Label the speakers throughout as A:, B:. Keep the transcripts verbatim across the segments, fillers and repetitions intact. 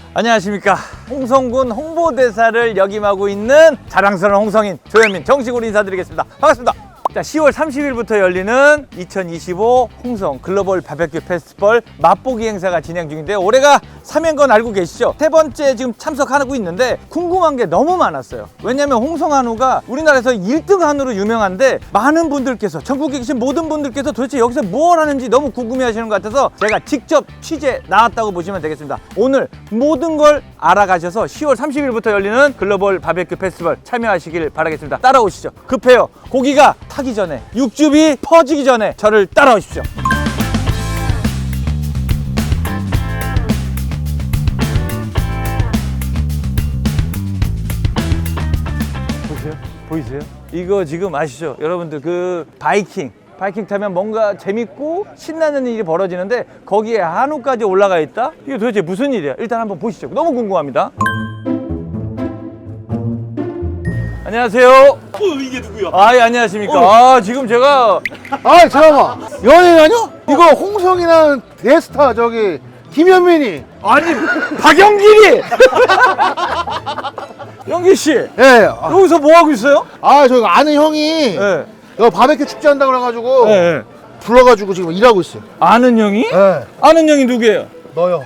A: 안녕하십니까. 홍성군 홍보대사를 역임하고 있는 자랑스러운 홍성인 조현민 정식으로 인사드리겠습니다. 반갑습니다. 자, 시월 삼십일부터 열리는 이천이십오 홍성 글로벌 바베큐 페스티벌 맛보기 행사가 진행 중인데 올해가 삼 회인 건 알고 계시죠? 세 번째 지금 참석하고 있는데 궁금한 게 너무 많았어요. 왜냐면 홍성 한우가 우리나라에서 일 등 한우로 유명한데 많은 분들께서 전국에 계신 모든 분들께서 도대체 여기서 뭘 하는지 너무 궁금해 하시는 것 같아서 제가 직접 취재 나왔다고 보시면 되겠습니다. 오늘 모든 걸 알아가셔서 시월 삼십일부터 열리는 글로벌 바베큐 페스티벌 참여하시길 바라겠습니다. 따라오시죠. 급해요. 고기가 타기 전에, 육즙이 퍼지기 전에 저를 따라오십시오. 보세요? 보이세요? 이거 지금 아시죠? 여러분들 그 바이킹 바이킹 타면 뭔가 재밌고 신나는 일이 벌어지는데 거기에 한우까지 올라가 있다? 이게 도대체 무슨 일이야? 일단 한번 보시죠. 너무 궁금합니다. 안녕하세요.
B: 어, 이게 누구야?
A: 아, 예, 안녕하십니까. 아, 지금 제가
C: 아 잠깐만, 연예인 아니야? 이거 홍성이랑 대스타 저기 김현민이.
A: 아니 박영길이 영길 씨
C: 예. 아,
A: 여기서 뭐 하고 있어요?
C: 아 저기 아는 형이
A: 예.
C: 여기 바베큐 축제 한다고 그래가지고
A: 예, 예.
C: 불러가지고 지금 일하고 있어요.
A: 아는 형이?
C: 예.
A: 아는 형이 누구예요?
C: 너요.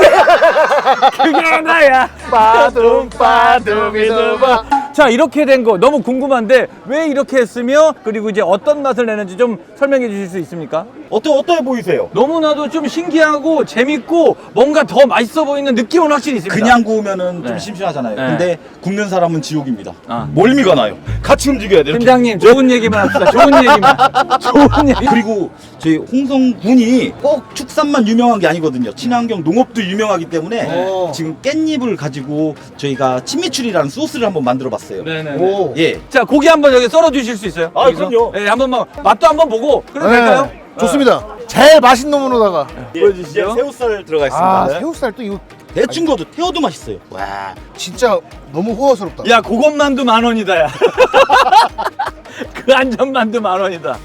A: 그게 나야.
C: 빠둠 빠둠이두바.
A: 자, 이렇게 된 거 너무 궁금한데 왜 이렇게 했으며 그리고 이제 어떤 맛을 내는지 좀 설명해 주실 수 있습니까?
B: 어떠 어떠해 보이세요?
A: 너무나도 좀 신기하고 재밌고 뭔가 더 맛있어 보이는 느낌은 확실히 있습니다.
B: 그냥 구우면은
A: 네.
B: 좀 심심하잖아요.
A: 네.
B: 근데 굽는 사람은 지옥입니다.
A: 아.
B: 멀미가 나요. 같이 움직여야 돼요. 이렇게.
A: 팀장님 좋은 얘기만 합시다. 좋은 얘기만. 좋은 얘기.
B: 그리고 저희 홍성군이 꼭 축산만 유명한 게 아니거든요. 친환경 농업도 유명하기 때문에
C: 오.
B: 지금 깻잎을 가지고 저희가 친미추리라는 소스를 한번 만들어봤어요.
A: 네네.
C: 오.
B: 예.
A: 자, 고기 한번 여기 썰어 주실 수 있어요?
B: 아,
A: 여기서?
B: 그럼요.
A: 네, 한번 뭐 맛도 한번 보고 그래도
C: 네,
A: 될까요?
C: 좋습니다. 제일 맛있는 놈으로다가.
A: 보여주시죠.
B: 이제 새우살 들어가
C: 아
B: 있습니다.
C: 새우살 또 이거
B: 대충 거도 태워도 맛있어요. 와.
C: 진짜 너무 호화스럽다.
A: 야, 그것만도 만 원이다, 야. 그 안전만도 만 원이다.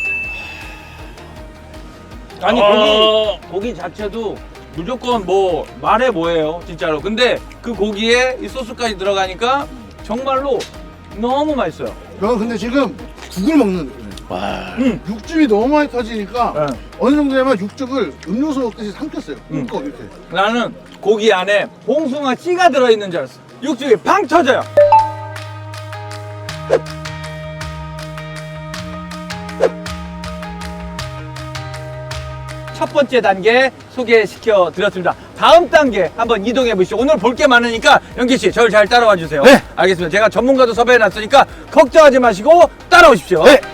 A: 아니, 고기, 고기 자체도 무조건 뭐, 말해 뭐예요, 진짜로. 근데 그 고기에 이 소스까지 들어가니까 정말로 너무 맛있어요.
C: 저는 근데 지금 국을 먹는 느낌이에요.
B: 와.
C: 육즙이 너무 많이 터지니까
A: 네.
C: 어느 정도 되면 육즙을 음료수 먹듯이 삼켰어요.
A: 음.
C: 꿀꺽 이렇게.
A: 나는 고기 안에 봉숭아 씨가 들어있는 줄 알았어. 육즙이 팡 터져요. 첫 번째 단계 소개시켜 드렸습니다. 다음 단계 한번 이동해 보시죠. 오늘 볼 게 많으니까 영기 씨, 저를 잘 따라와 주세요.
C: 네.
A: 알겠습니다. 제가 전문가도 섭외해 놨으니까 걱정하지 마시고 따라오십시오.
C: 네.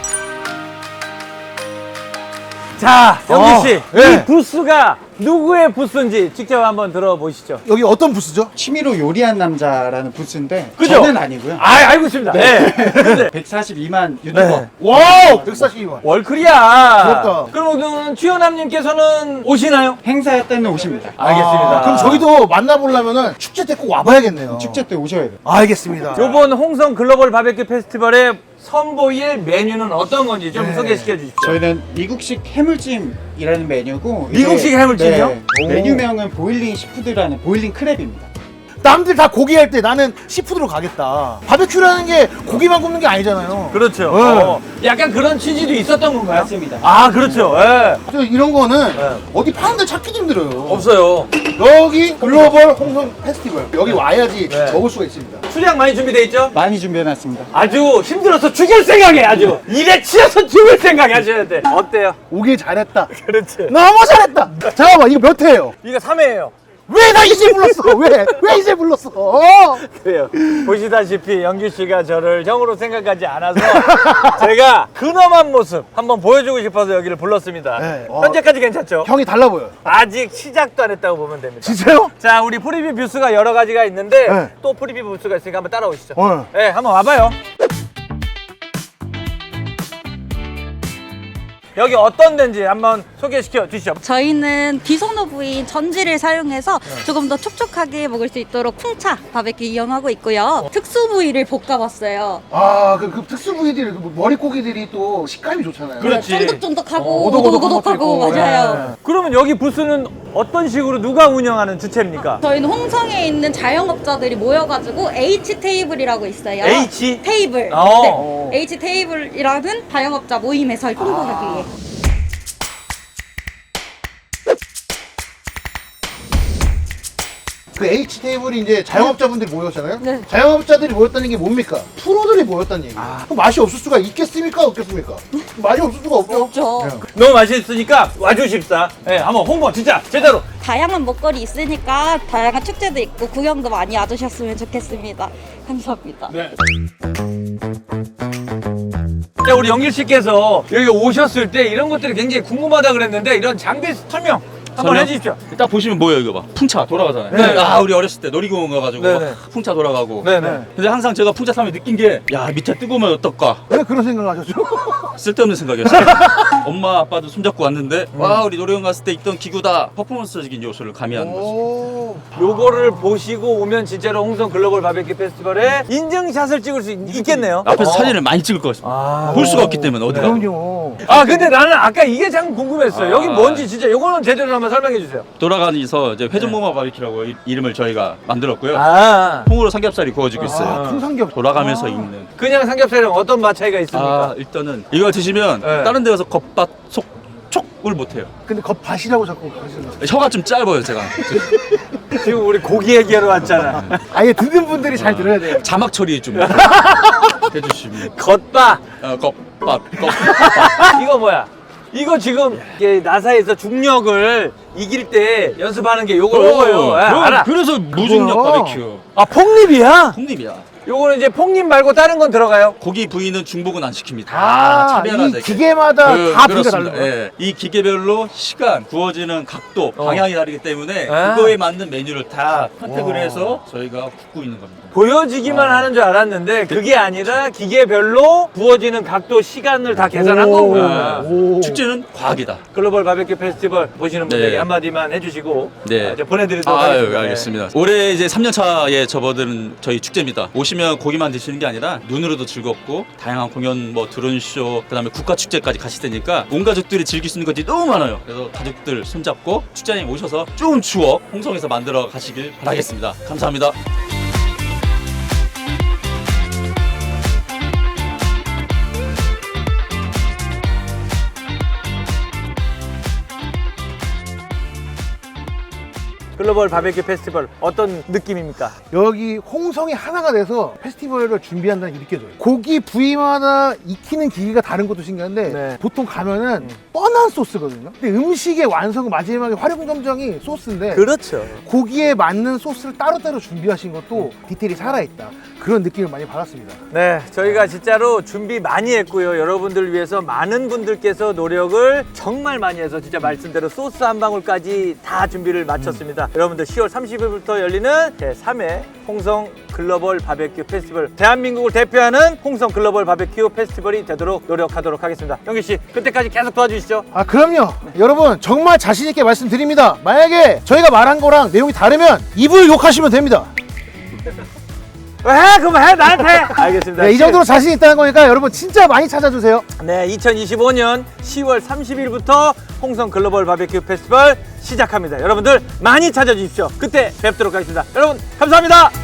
A: 자, 영기 씨,
C: 어, 네.
A: 이 부스가 누구의 부스인지 직접 한번 들어보시죠.
C: 여기 어떤 부스죠?
D: 취미로 요리한 남자라는 부스인데
A: 그죠?
D: 저는 아니고요.
A: 아, 알고 있습니다. 네. 근데
D: 백사십이만 유튜버.
A: 네.
C: 와우 백사십이만.
A: 월클이야.
C: 부럽다.
A: 그럼 추현남님께서는 오시나요?
D: 행사 때는 오십니다.
A: 알겠습니다.
C: 아, 그럼 저희도 만나보려면은 축제 때 꼭 와봐야겠네요.
D: 축제 때 오셔야 돼요.
C: 알겠습니다.
A: 요번 홍성 글로벌 바베큐 페스티벌의 선보일 메뉴는 어떤 건지 좀
C: 네.
A: 소개시켜 주십시오.
D: 저희는 미국식 해물찜이라는 메뉴고
A: 미국식 해물찜이요?
D: 네,
A: 오.
D: 메뉴명은 보일링 시푸드라는 보일링 크랩입니다.
C: 남들 다 고기 할 때 나는 시푸드로 가겠다. 바베큐라는 게 고기만 굽는 게 아니잖아요.
A: 그렇죠.
C: 네.
A: 어, 약간 그런 취지도 있었던 건가요?
D: 맞습니다.
A: 아, 그렇죠. 예.
C: 저 이런 거는
A: 네.
C: 어디 파는 데 찾기도 힘들어요.
A: 없어요.
C: 여기 글로벌 홍성 페스티벌 여기 와야지
A: 네.
C: 먹을 수가 있습니다.
A: 수량 많이 준비돼 있죠?
D: 많이 준비해놨습니다.
A: 아주 힘들어서 죽일 생각에 아주 일에 치여서 죽을 생각에 하셔야 돼. 어때요?
C: 오길 잘했다.
A: 그렇지.
C: 너무 잘했다. 잠깐만 이거 몇 회예요?
A: 이거 삼 회예요.
C: 왜 나 이제 불렀어? 왜? 왜 이제 불렀어? 어?
A: 그래요. 보시다시피 영규 씨가 저를 형으로 생각하지 않아서 제가 근엄한 모습 한번 보여주고 싶어서 여기를 불렀습니다.
C: 네. 어.
A: 현재까지 괜찮죠?
C: 형이 달라 보여.
A: 아직 시작도 안 했다고 보면 됩니다.
C: 진짜요?
A: 자, 우리 프리뷰 부스가 여러 가지가 있는데
C: 네.
A: 또 프리뷰 부스가 있으니까 한번 따라오시죠.
C: 어.
A: 네, 한번 와봐요. 여기 어떤 데인지 한번 소개시켜 주시죠.
E: 저희는 비선호 부위인 전지를 사용해서 조금 더 촉촉하게 먹을 수 있도록 쿵차 바베큐 이용하고 있고요. 특수 부위를 볶아봤어요.
C: 아, 그, 그 특수 부위들, 그 머리고기들이 또 식감이 좋잖아요.
A: 그렇지.
E: 쫀득쫀득하고
C: 어, 오독오독한 것도
E: 오독오독하고
C: 있고.
E: 맞아요.
A: 그러면 여기 부스는 어떤 식으로 누가 운영하는 주체입니까?
E: 저희는 홍성에 있는 자영업자들이 모여가지고 H 테이블이라고 있어요.
A: H?
E: 테이블.
A: 어.
E: 네. H 테이블이라는 자영업자 모임에서 홍보하기 위해.
C: 그 H 테이블이 이제 자영업자분들이 모였잖아요.
E: 네.
C: 자영업자들이 모였다는 게 뭡니까? 프로들이 모였다는 얘기예요.
A: 아.
C: 그럼 맛이 없을 수가 있겠습니까? 없겠습니까? 맛이 없을 수가 없죠.
E: 없죠.
C: 네.
A: 너무 맛있으니까 와주십사. 네, 한번 홍보 진짜 제대로.
E: 다양한 먹거리 있으니까 다양한 축제도 있고 구경도 많이 와주셨으면 좋겠습니다. 감사합니다.
A: 네. 자, 우리 영길 씨께서 여기 오셨을 때 이런 것들이 굉장히 궁금하다 그랬는데 이런 장비 설명 한번
F: 설명?
A: 해주십시오.
F: 딱 보시면 뭐예요 이거 봐 풍차 돌아가잖아요.
A: 네.
F: 아 우리 어렸을 때 놀이공원 가가지고
A: 네네.
F: 풍차 돌아가고.
A: 네네.
F: 근데 항상 제가 풍차 타면 느낀 게 야 밑에 뜨거우면 어떨까
C: 왜 그런 생각을 하셨죠?
F: 쓸데없는 생각이었어요. 엄마 아빠도 손잡고 왔는데 와 우리 놀이공원 갔을 때 있던 기구다 퍼포먼스적인 요소를 가미하는 거죠.
C: 오.
A: 요거를 보시고 오면 진짜로 홍성 글로벌 바베큐 페스티벌에 인증샷을 찍을 수 있, 겠네요
F: 앞에서 사진을 많이 찍을 것 같습니다.
A: 아,
F: 볼 수가 없기 때문에 어디가.
C: 그럼요.
A: 아 근데 나는 아까 이게 참 궁금했어요.
F: 아.
A: 여기 뭔지 진짜 요거는 제대로 한번 설명해 주세요.
F: 돌아가면서 이제 회전목마 바비큐라고 이- 이름을 저희가 만들었고요.
A: 아
F: 통으로 삼겹살이 구워지고 있어요.
C: 아, 통삼겹.
F: 돌아가면서 익는.
A: 그냥 삼겹살이랑 어떤 맛 차이가 있습니까?
F: 아 일단은 이거 드시면
A: 네.
F: 다른 데 가서 겉밭 속 촉을 못해요.
C: 근데 겉밭이라고 자꾸 하시는
F: 혀가 좀 짧아요 제가.
A: 지금 우리 고기 얘기하러 왔잖아.
C: 아예 듣는 분들이 잘 들어야 돼요.
F: 자막 처리 좀 해주시면.
A: 겉바.
F: 어, 겉밭 겉밭.
A: 이거 뭐야? 이거 지금 이게 나사에서 중력을 이길 때 연습하는 게 요거 요거예요. 예, 알아.
F: 그래서 무중력
C: 그거요?
F: 바베큐.
A: 아 폭립이야?
F: 폭립이야.
A: 요거는 이제 폭립 말고 다른 건 들어가요?
F: 고기 부위는 중복은 안 시킵니다.
C: 아,
F: 차별화되게.
C: 이 기계마다
F: 그,
C: 다 비가
F: 그렇습니다.
C: 다른 거예요.
F: 예. 이 기계별로 시간, 구워지는 각도,
A: 어.
F: 방향이 다르기 때문에
A: 아.
F: 그거에 맞는 메뉴를 다 선택을
C: 와.
F: 해서 저희가 굽고 있는 겁니다.
A: 보여지기만 하는 줄 알았는데 그게 아니라 기계별로 부어지는 각도, 시간을 다 계산한
C: 오.
A: 거구나.
C: 오.
F: 축제는 과학이다.
A: 글로벌 바베큐 페스티벌 보시는 분들에게
F: 네.
A: 한마디만 해주시고
F: 네.
A: 아, 이제 보내드리도록
F: 아유,
A: 하겠습니다.
F: 알겠습니다. 올해 이제 삼 년 차에 접어드는 저희 축제입니다. 오시면 고기만 드시는 게 아니라 눈으로도 즐겁고 다양한 공연, 뭐 드론쇼, 그다음에 국가 축제까지 가실 테니까 온 가족들이 즐길 수 있는 것들이 너무 많아요. 그래서 가족들 손잡고 축제장에 오셔서 좋은 추억 홍성에서 만들어 가시길 바라겠습니다. 감사합니다.
A: 글로벌 바베큐 페스티벌 어떤 느낌입니까?
C: 여기 홍성이 하나가 돼서 페스티벌을 준비한다는 게 느껴져요. 고기 부위마다 익히는 기계가 다른 것도 신기한데
A: 네.
C: 보통 가면은 뻔한 소스거든요. 근데 음식의 완성 마지막에 활용점정이 소스인데
A: 그렇죠.
C: 고기에 맞는 소스를 따로따로 준비하신 것도 디테일이 살아있다. 그런 느낌을 많이 받았습니다.
A: 네, 저희가 진짜로 준비 많이 했고요. 여러분들 위해서 많은 분들께서 노력을 정말 많이 해서 진짜 말씀대로 소스 한 방울까지 다 준비를 마쳤습니다. 여러분들 시월 삼십일부터 열리는 제삼 회 홍성 글로벌 바베큐 페스티벌, 대한민국을 대표하는 홍성 글로벌 바베큐 페스티벌이 되도록 노력하도록 하겠습니다. 영기 씨, 그때까지 계속 도와주시죠.
C: 아 그럼요. 여러분 정말 자신 있게 말씀드립니다. 만약에 저희가 말한 거랑 내용이 다르면 입을 욕하시면 됩니다.
A: 해, 그럼 해, 나한테. 알겠습니다.
C: 네, 이 정도로 자신 있다는 거니까 여러분 진짜 많이 찾아주세요.
A: 네, 이천이십오 년 시월 삼십일부터 홍성 글로벌 바베큐 페스티벌 시작합니다. 여러분들 많이 찾아주십시오. 그때 뵙도록 하겠습니다. 여러분 감사합니다.